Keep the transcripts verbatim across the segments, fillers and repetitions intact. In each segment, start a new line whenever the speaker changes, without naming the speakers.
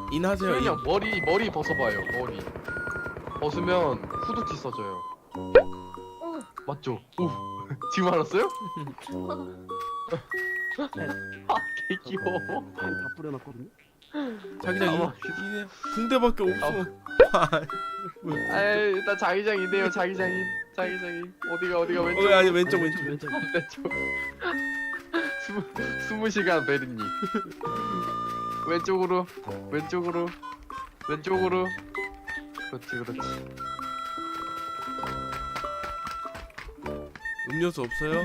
인하세요. 인.
그냥 머리 머리 벗어봐요. 머리 벗으면 후드티 써져요.
어.
맞죠? 오 지금 알았어요? 아 개귀여워.
다 뿌려놨거든요.
자기장
아마
이 붕대밖에 없어.
아이 일단 자기장이네요. 자기장인 자기장인 어디가 어디가 왼쪽
어 아니 왼쪽 왼쪽.
왼쪽.
왼쪽 스무 스무 시간 베리니 왼쪽으로 왼쪽으로 왼쪽으로 그렇지 그렇지.
음료수 없어요?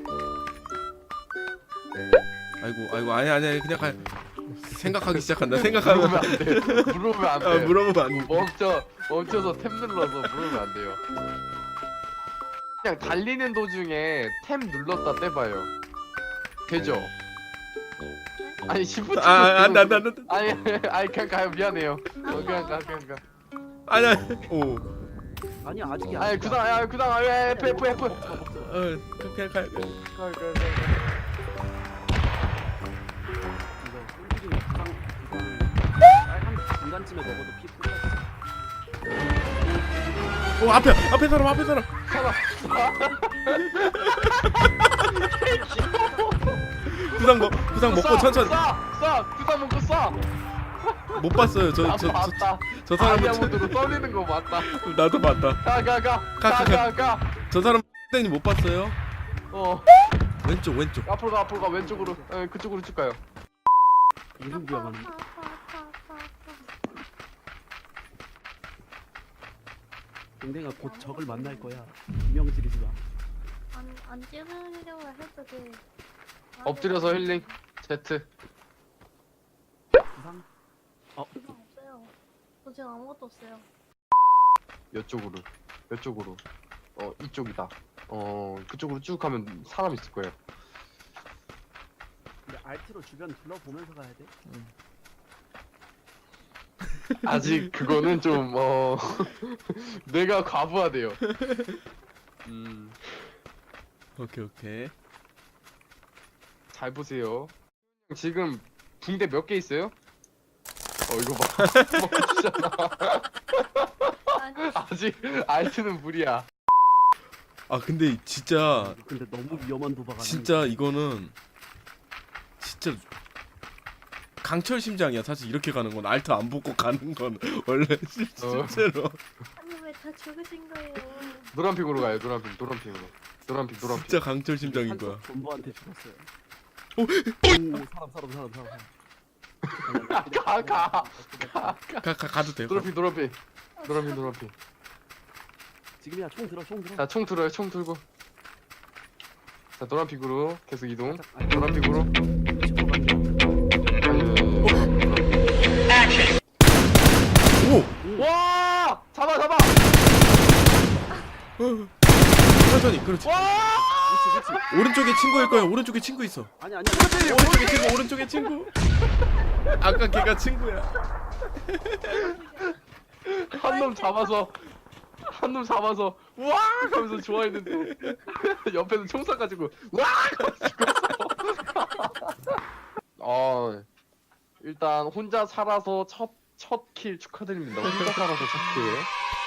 아이고 아이고 아니 아니 그냥 가. 생각하기 시작한다. 생각하면
물으면 안 돼. 물으면 안
아,
돼.
물어보면 안 돼.
멈춰 멈춰서 탭 눌러서 물으면 안 돼요. 그냥 달리는 도중에 탭 눌렀다 떼봐요. 되죠? 아니 시프트
아, 안 돼, 안 돼, 안 돼.
아니 아니 그냥 가요. 미안해요. 어, 그냥 가 그냥 가.
아니 아니. 오.
아니 아직이
아니 구상 아니 구상 아니 F F F.
어, 그냥 가.
가, 가, 가, 가.
이거 꿀리긴 부상 부상 한 중간쯤에 먹어도 피 풀렸어.
오 앞에 앞에 사람 앞에 사람.
살아.
구상 먹 구상 먹고 천천히.
쏴! 쏴! 구상 먹고 쏴!
못 봤어요. 저
아,
저 저
맞다.
저 사람은
다이아몬드로 떠리는 거 맞다.
나도 봤다.
가, 가, 가.
가,
가,
가,
가, 가.
저 사람 땡이 못 봤어요.
어.
왼쪽 왼쪽.
앞으로 가, 앞으로 가. 왼쪽으로. 에, 그쪽으로 쭉 가요.
이름 기억하네. 동댕아 곧 적을 만날 거야. 분명 지르지 마.
안, 안 찌르려고 해도 돼.
엎드려서 힐링. Z.
부상?
그거 없어요. 저 지금 아무것도 없어요.
이쪽으로. 이쪽으로. 어, 이쪽이다. 어, 그쪽으로 쭉 가면 사람 있을 거예요.
근데 알트로 주변 둘러보면서 가야 돼.
아직 그거는 좀, 어, 내가 과부하돼요. 음,
오케이 오케이.
잘 보세요. 지금 붕대 몇 개 있어요? 어, 이거 봐. 먹어주잖아.
아니,
아직 알트는 무리야.
아 근데 진짜
근데 너무 위험한 도박 아니야?
진짜 이거는 진짜 강철 심장이야. 사실 이렇게 가는 건 알트 안 붙고 가는 건 원래 실-
어.
실제로.
아니 왜 다 죽으신 거예요?
노란핑으로 가요. 노란핑, 노란핑으로. 노란핑, 노란핑.
진짜 강철 심장인 거야.
본부한테 죽었어요.
오!
오, 사람 사람 사람 사람.
가, 가.
가, 가 가도 돼요.
노란핑, 노란핑. 노란핑, 노란핑.
지금이야 총 들어 총 들어.
자, 총 들어요. 총 들고. 자, 노란핑으로 계속 이동.
살짝, 아니,
노란핑으로.
짚고 가는
오!
와! 잡아, 잡아!
어. 천천히. 그렇지.
와!
그렇지 그렇지.
오른쪽에 친구일 거야. 오른쪽에 친구 있어.
아니 아니.
오른쪽에 친구. 오른쪽에 친구. 아까 걔가 친구야.
한 놈 잡아서 한 놈 잡아서 와! 하면서 좋아했는데 옆에서 총 쏴가지고 와! 하면서 죽었어. 어, 일단 혼자 살아서 첫 첫 킬 축하드립니다. 혼자 살아서 첫 킬.